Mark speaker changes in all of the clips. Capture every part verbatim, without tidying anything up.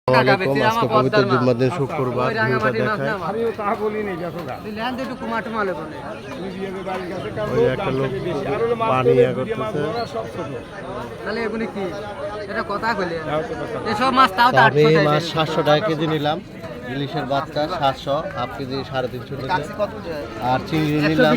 Speaker 1: আসসালামু আলাইকুম। আজকে পবিত্র জুম্মার দিন শুক্রবার ভিউটা দেখায়। ওই একটা লোক পানি ইয়া করতেছে। আমি মাছ সাতশো টাকা কেজি নিলাম। ইলিশের বাচ্চা সাতশো, হাফ কেজি সাড়ে তিনশো টাকা। আর চিংড়ি নিলাম,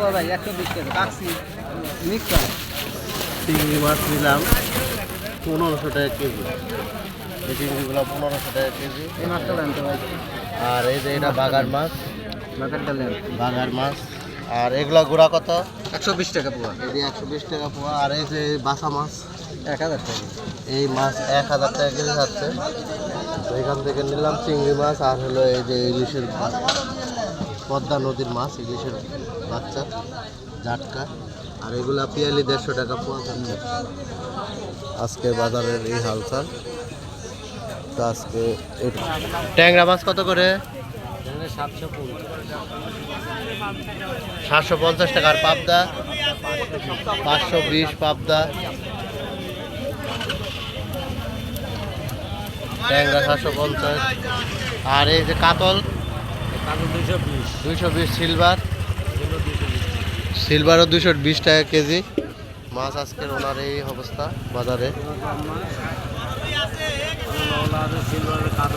Speaker 1: চিংড়ি মাছ নিলাম পনেরোশো টাকা কেজি। এই চিংড়িগুলো পনেরোশো টাকা কেজি। আর এই যে এটা বাগার মাছ, বাগার মাছ। আর এগুলা গুড়া কত?
Speaker 2: একশো বিশ টাকা পোয়া।
Speaker 1: এই যে একশো বিশ টাকা পোয়া। আর এই যে বাসা মাছ
Speaker 2: এক হাজার টাকা।
Speaker 1: এই মাছ এক হাজার টাকা কেজি যাচ্ছে। তো এখান থেকে নিলাম চিংড়ি মাছ। আর হলো এই যে ইলিশের পদ্মা নদীর মাছ, ইলিশের বাচ্চা জাটকা। আর এগুলা পিয়ালি দেড়শো টাকা পোয়া যাচ্ছে। আজকে বাজারের এই হালচাল। তো আজকে ট্যাংরা মাছ কত করে? সাতশো পঞ্চাশ টাকা। আর পাবদা পাঁচশো বিশ পাবদা। ট্যাংরা সাতশো পঞ্চাশ। আর এই যে কাতল দুইশো বিশ। সিলভার সিলভারও দুইশো বিশ টাকা কেজি। মাছ আজকের ওনার এই অবস্থা বাজারে।